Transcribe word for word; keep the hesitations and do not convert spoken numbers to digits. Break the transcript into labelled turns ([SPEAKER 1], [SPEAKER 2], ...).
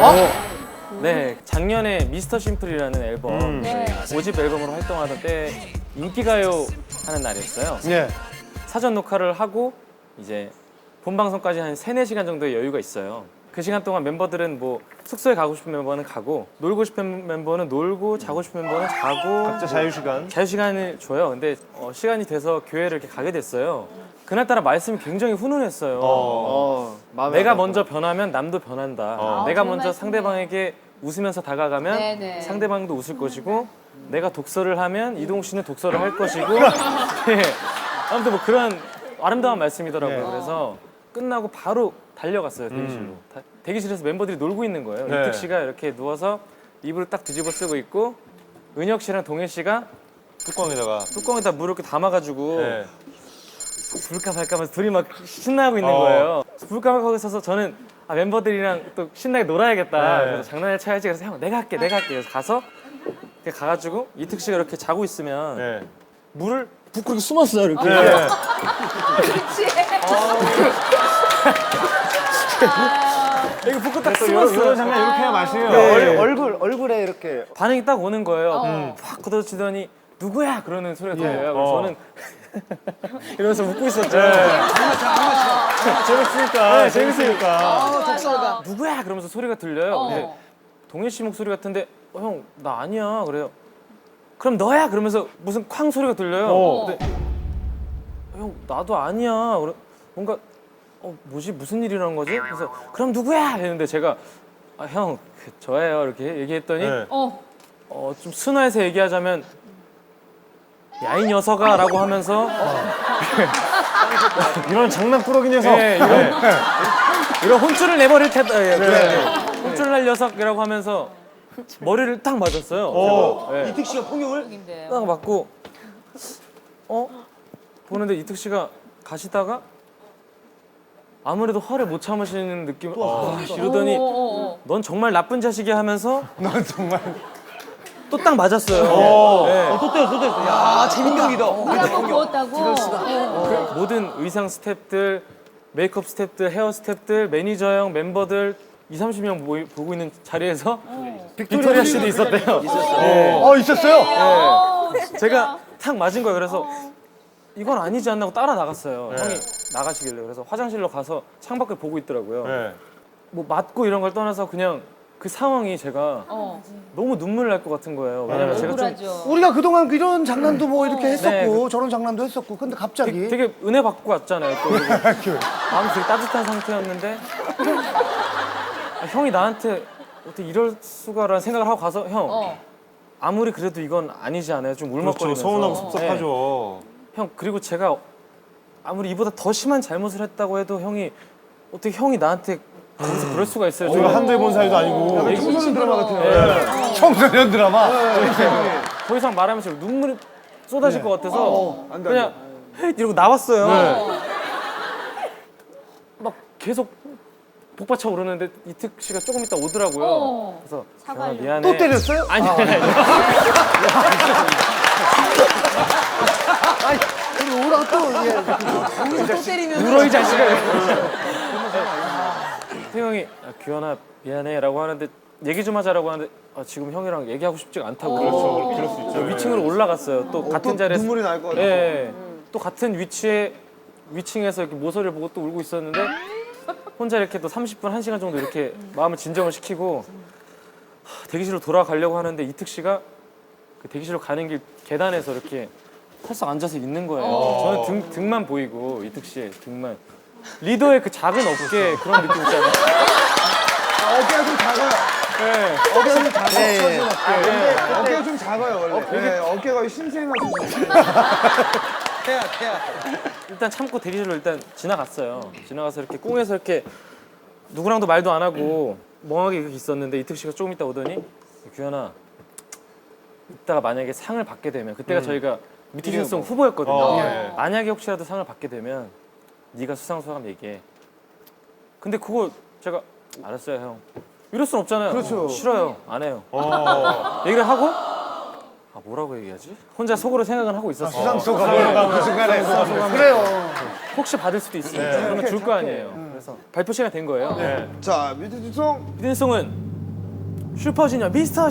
[SPEAKER 1] 네, 작년에 미스터 심플이라는 앨범
[SPEAKER 2] 음.
[SPEAKER 3] 네.
[SPEAKER 1] 오 집 앨범으로 활동하던 때 인기가요 하는 날이었어요.
[SPEAKER 2] 네.
[SPEAKER 1] 사전 녹화를 하고 이제 본 방송까지 한 세네 시간 정도의 여유가 있어요. 그 시간 동안 멤버들은 뭐 숙소에 가고 싶은 멤버는 가고 놀고 싶은 멤버는 놀고 자고 싶은 멤버는 자고
[SPEAKER 2] 각자 자유시간.
[SPEAKER 1] 자유시간을 줘요. 근데 어, 시간이 돼서 교회를 이렇게 가게 됐어요. 그날따라 말씀이 굉장히 훈훈했어요.
[SPEAKER 2] 어.
[SPEAKER 1] 내가 먼저 변하면 남도 변한다.
[SPEAKER 2] 어.
[SPEAKER 1] 내가
[SPEAKER 3] 아,
[SPEAKER 1] 먼저
[SPEAKER 3] 좋은
[SPEAKER 1] 상대방에게 웃으면서 다가가면
[SPEAKER 3] 네네.
[SPEAKER 1] 상대방도 웃을 것이고 내가 독서를 하면 이동욱 씨는 독서를 할 것이고 네. 아무튼 뭐 그런 아름다운 말씀이더라고요.
[SPEAKER 2] 네.
[SPEAKER 1] 그래서 끝나고 바로 달려갔어요 대기실로.
[SPEAKER 2] 음.
[SPEAKER 1] 다- 대기실에서 멤버들이 놀고 있는 거예요.
[SPEAKER 2] 네.
[SPEAKER 1] 이특 씨가 이렇게 누워서 이불을 딱 뒤집어 쓰고 있고 은혁 씨랑 동현 씨가
[SPEAKER 2] 뚜껑에다가.
[SPEAKER 1] 뚜껑에다 물을 이렇게 담아가지고
[SPEAKER 2] 네.
[SPEAKER 1] 불까 말까 하면서 둘이 막 신나고 있는
[SPEAKER 2] 어.
[SPEAKER 1] 거예요. 불까 말까 하고 있어서 저는 아, 멤버들이랑 또 신나게 놀아야겠다.
[SPEAKER 2] 네.
[SPEAKER 1] 그래서 장난을 쳐야지. 그래서 형 내가 할게 내가 할게. 그래서 가서 이렇게 가가지고 이특 씨가 이렇게 자고 있으면
[SPEAKER 2] 네.
[SPEAKER 1] 물을 붓고 이렇게 숨었어요. 이렇게.
[SPEAKER 2] 네.
[SPEAKER 3] 그렇지.
[SPEAKER 1] 이거 붓고 딱
[SPEAKER 2] 또 이런,
[SPEAKER 1] 숨었어요.
[SPEAKER 2] 이런 장면 이렇게 해야 맛이에요.
[SPEAKER 1] 네.
[SPEAKER 4] 얼굴 얼굴에 이렇게
[SPEAKER 1] 반응이 딱 오는 거예요.
[SPEAKER 3] 어.
[SPEAKER 1] 확 걷어치더니 누구야? 그러는 소리가 들려요. 그래서
[SPEAKER 2] 어.
[SPEAKER 1] 저는 이러면서 웃고 있었죠.
[SPEAKER 2] 재밌으니까.
[SPEAKER 1] 네,
[SPEAKER 2] 재밌으니까.
[SPEAKER 3] 독설가.
[SPEAKER 1] 누구야? 그러면서 소리가 들려요.
[SPEAKER 3] 어.
[SPEAKER 1] 근데 동현 씨 목소리 같은데 어, 형 나 아니야. 그래요. 그럼 너야. 그러면서 무슨 쾅 소리가 들려요.
[SPEAKER 2] 어.
[SPEAKER 1] 근데 형 나도 아니야. 그래, 뭔가 어 뭐지 무슨 일이라는 거지? 그래서 그럼 누구야? 했는데 제가 아, 형 그, 저예요. 이렇게 얘기했더니
[SPEAKER 2] 네.
[SPEAKER 3] 어.
[SPEAKER 1] 어, 좀 순화해서 얘기하자면 야 이 녀석아라고 하면서
[SPEAKER 2] 이런 장난꾸러기 녀석.
[SPEAKER 1] 예, 이런, 이런 혼쭐을 내버릴 테다. 예,
[SPEAKER 2] 네.
[SPEAKER 1] 혼쭐 날 녀석이라고 하면서 머리를 딱 맞았어요.
[SPEAKER 2] 어.
[SPEAKER 1] 제가. 예.
[SPEAKER 4] 이특 씨가 폭력을
[SPEAKER 3] 인데요.
[SPEAKER 1] 딱 맞고 어? 보는데 이특 씨가 가시다가 아무래도 화를 못 참으시는 느낌 아, 이러더니
[SPEAKER 3] 어, 어, 어.
[SPEAKER 1] 넌 정말 나쁜 자식이야 하면서
[SPEAKER 2] 넌 정말.
[SPEAKER 1] 또 딱 맞았어요.
[SPEAKER 2] 어.
[SPEAKER 1] 예.
[SPEAKER 4] 또 때려 또 때려. 야 재민경이다.
[SPEAKER 3] 한번 부었다고. 어.
[SPEAKER 1] 모든 의상 스태프들, 메이크업 스태프들, 헤어 스태프들, 매니저 형, 멤버들 이삼십 명 모이, 보고 있는 자리에서 빅토리아 씨도 있었대요. 있었어요.
[SPEAKER 2] 어, 있었어요?
[SPEAKER 3] 어, 진짜.
[SPEAKER 1] 제가 탁 맞은 거예요. 그래서 이건 아니지 않나 하고 따라 나갔어요.
[SPEAKER 2] 네.
[SPEAKER 1] 형이 나가시길래. 그래서 화장실로 가서 창밖을 보고 있더라고요.
[SPEAKER 2] 네.
[SPEAKER 1] 뭐 맞고 이런 걸 떠나서 그냥 그 상황이 제가
[SPEAKER 3] 어.
[SPEAKER 1] 너무 눈물 날 것 같은 거예요. 왜냐면 제가 좀
[SPEAKER 3] 억울하죠.
[SPEAKER 4] 우리가 그동안 이런 장난도 뭐 이렇게 했었고
[SPEAKER 1] 네.
[SPEAKER 4] 저런 장난도 했었고 근데 갑자기
[SPEAKER 1] 되게, 되게 은혜 받고 왔잖아요. 또 그리고 마음이 되게 따뜻한 상태였는데 아, 형이 나한테 어떻게 이럴 수가라는 생각을 하고 가서 형
[SPEAKER 3] 어.
[SPEAKER 1] 아무리 그래도 이건 아니지 않아요? 좀
[SPEAKER 2] 그렇죠.
[SPEAKER 1] 울먹거리면서
[SPEAKER 2] 서운하고
[SPEAKER 1] 네.
[SPEAKER 2] 섭섭하죠.
[SPEAKER 1] 형 그리고 제가 아무리 이보다 더 심한 잘못을 했다고 해도 형이 어떻게 형이 나한테 거기서 그럴 수가 있어요?
[SPEAKER 2] 저희가 한두 해본 사이도 아니고.
[SPEAKER 1] 얘기-
[SPEAKER 4] 청소년 드라마 같아요.
[SPEAKER 1] 네.
[SPEAKER 2] 청소년 드라마.
[SPEAKER 1] 더 이상 말하면 지금 눈물이 쏟아질 것 같아서
[SPEAKER 4] 어, 안 돼,
[SPEAKER 1] 그냥 헤이 이러고 나왔어요.
[SPEAKER 2] 네.
[SPEAKER 1] 막 계속 복받쳐 오르는데 이특 씨가 조금 있다 오더라고요.
[SPEAKER 3] 어.
[SPEAKER 1] 그래서
[SPEAKER 3] 사과하려고.
[SPEAKER 1] 기현아, 미안해.
[SPEAKER 4] 또 때렸어요?
[SPEAKER 1] 아니 아니 아니.
[SPEAKER 4] 그리고 오라고 또 예.
[SPEAKER 3] 또 때리면.
[SPEAKER 1] 울어 이 자식아. 태형이 아, 규현아 미안해라고 하는데 얘기 좀 하자라고 하는데 아, 지금 형이랑 얘기하고 싶지가 않다고.
[SPEAKER 2] 그렇죠. 그럴 수 있죠.
[SPEAKER 1] 위층으로 올라갔어요. 또 같은
[SPEAKER 4] 또
[SPEAKER 1] 자리에서.
[SPEAKER 4] 눈물이 날 것 같아.
[SPEAKER 1] 예, 예. 또 같은 위치에 위층에서 이렇게 모서리를 보고 또 울고 있었는데 혼자 이렇게 또 삼십 분, 한 시간 정도 이렇게 마음을 진정을 시키고 하, 대기실로 돌아가려고 하는데 이특 씨가 그 대기실로 가는 길 계단에서 이렇게 털썩 앉아서 있는 거예요. 저는 등, 등만 보이고 이특 씨의 등만. 리더의 그 작은 어깨 그런 느낌 있잖아요.
[SPEAKER 4] 어깨가 좀 작아요.
[SPEAKER 1] 네.
[SPEAKER 4] 어깨가 좀 작아요.
[SPEAKER 1] 예, 예.
[SPEAKER 4] 근데 어깨가 좀 작아요 원래. 네, 어깨가 신생하시죠. 태야 태야.
[SPEAKER 1] 일단 참고 대기실로 일단 지나갔어요. 지나가서 이렇게 꽁에서 이렇게 누구랑도 말도 안 하고 멍하게 이렇게 있었는데 이특 씨가 조금 있다 오더니 규현아 이따가 만약에 상을 받게 되면 그때가 저희가 미티즌송 후보였거든요.
[SPEAKER 2] 어, 예.
[SPEAKER 1] 만약에 혹시라도 상을 받게 되면 네가 수상 소감 얘기해. 근데 그거 제가 알았어요 형. 이럴 순 없잖아요.
[SPEAKER 4] 그렇죠.
[SPEAKER 1] 싫어요. 안 해요.
[SPEAKER 2] 어.
[SPEAKER 1] 얘기를 하고 아 뭐라고 얘기하지? 혼자 속으로 생각은 하고 있었어요.
[SPEAKER 2] 수상소감을 그 순간에.
[SPEAKER 4] 그래요.
[SPEAKER 1] 혹시 받을 수도 있으니까 그러면 줄 거 아니에요. 그래서 발표 시간 된 거예요.
[SPEAKER 2] 네.
[SPEAKER 4] 자 뮤직송
[SPEAKER 1] 미드송은 슈퍼주니어 미스터